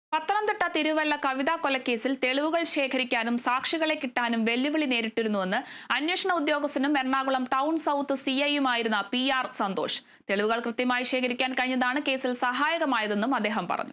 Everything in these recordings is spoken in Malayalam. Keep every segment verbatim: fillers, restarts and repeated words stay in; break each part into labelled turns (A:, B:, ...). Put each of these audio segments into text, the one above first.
A: പത്തനംതിട്ട തിരുവല്ല കവിതാ കൊലക്കേസിൽ തെളിവുകൾ ശേഖരിക്കാനും സാക്ഷികളെ കിട്ടാനും വെല്ലുവിളി നേരിട്ടിരുന്നുവെന്ന് അന്വേഷണ ഉദ്യോഗസ്ഥനും എറണാകുളം ടൗൺ സൗത്ത് സി ഐയുമായിരുന്ന പി ആർ സന്തോഷ്. തെളിവുകൾ കൃത്യമായി ശേഖരിക്കാൻ കഴിഞ്ഞതാണ് കേസിൽ സഹായകമായതെന്നും അദ്ദേഹം പറഞ്ഞു.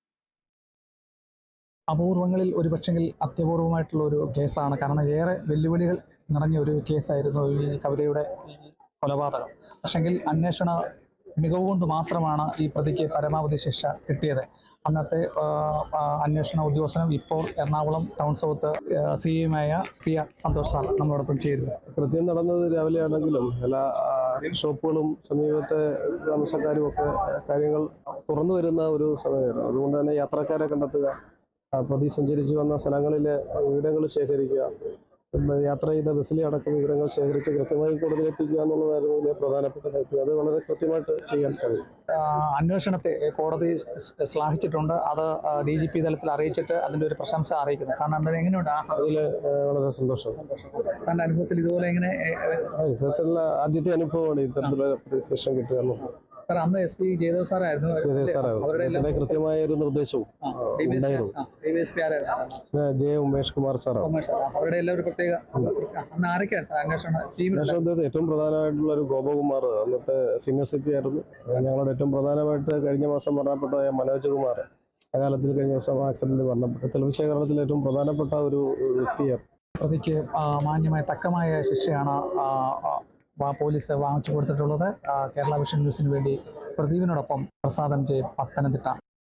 B: അപൂർവങ്ങളിൽ ഒരു പക്ഷെങ്കിൽ അത്യപൂർവമായിട്ടുള്ള ഒരു കേസാണ്. കാരണം ഏറെ വെല്ലുവിളികൾ നിറഞ്ഞ ഒരു കേസായിരുന്നു ഈ കവിതയുടെ ഈ കൊലപാതകം. പക്ഷെങ്കിൽ അന്വേഷണ മികവ് കൊണ്ട് മാത്രമാണ് ഈ പ്രതിക്ക് പരമാവധി ശിക്ഷ കിട്ടിയത്. അന്നത്തെ അന്വേഷണ ഉദ്യോഗസ്ഥനും ഇപ്പോൾ എറണാകുളം ടൗൺ സൗത്ത് സി എയുമായ പി ആർ സന്തോഷ് സാർ നമ്മളോടൊപ്പം ചേരുന്നു.
C: കൃത്യം നടന്നത് രാവിലെ ആണെങ്കിലും എല്ലാ ഷോപ്പുകളും സമീപത്തെ താമസക്കാരും ഒക്കെ കാര്യങ്ങൾ തുറന്നു വരുന്ന ഒരു സമയമാണ്. അതുകൊണ്ട് തന്നെ യാത്രക്കാരെ കണ്ടെത്തുക, പ്രതി സഞ്ചരിച്ച് വന്ന സ്ഥലങ്ങളിലെ വിവരങ്ങൾ ശേഖരിക്കുക, യാത്ര ചെയ്ത ബസ്സിലെ അടക്കം വിവരങ്ങൾ ശേഖരിച്ച് കൃത്യമായി കോടതിയിലെത്തിക്കുക എന്നുള്ളതായിരുന്നു വലിയ പ്രധാനപ്പെട്ട കാര്യം. അത് വളരെ കൃത്യമായിട്ട് ചെയ്യാൻ കഴിയും.
B: അന്വേഷണത്തെ കോടതി ശ്ലാഘിച്ചിട്ടുണ്ട്. അത് ഡി ജി പി തലത്തിൽ അറിയിച്ചിട്ട് അതിൻ്റെ ഒരു പ്രശംസ അറിയിക്കുന്നു. കാരണം എന്തായാലും എങ്ങനെയുണ്ട് ആ
C: അതിൽ വളരെ സന്തോഷം.
B: തൻ്റെ അനുഭവത്തിൽ ഇതുപോലെ എങ്ങനെ
C: ഇത്തരത്തിലുള്ള ആദ്യത്തെ അനുഭവമാണ് ഇത്തരത്തിലുള്ള ശിക്ഷ കിട്ടുക എന്നുള്ളത്.
B: സാർ, അന്ന് എസ് പി ജയദേവ് സാറായിരുന്നു.
C: അവരുടെ കൃത്യമായ ഒരു നിർദ്ദേശവും ഉണ്ടായിരുന്നു. ജെ ഉമേഷ് കുമാർ സാറാണ്.
B: അവരുടെ എല്ലാം ഒരു പ്രത്യേക
C: അന്വേഷണത്തിൽ ഏറ്റവും പ്രധാനമായിട്ടുള്ള ഒരു ഗോപകുമാർ അന്നത്തെ സീനിയർ സി പി ആയിരുന്നു. ഞങ്ങളുടെ ഏറ്റവും പ്രധാനമായിട്ട് കഴിഞ്ഞ മാസം മരണപ്പെട്ട മനോജ് കുമാർ അകാലത്തിൽ കഴിഞ്ഞ ദിവസം ആക്സിഡന്റിൽ മരണപ്പെട്ടു. തെളിവ് ശേഖരണത്തിൽ ഏറ്റവും പ്രധാനപ്പെട്ട ഒരു വ്യക്തിയാണ്.
B: പ്രതിക്ക് മാന്യമായ തക്കമായ ശിക്ഷയാണ് പോലീസ് വാങ്ങിച്ചു കൊടുത്തിട്ടുള്ളത്. കേരള വിഷൻ ന്യൂസിന് വേണ്ടി പ്രദീപിനോടൊപ്പം പ്രസാദം ജെ, പത്തനംതിട്ട.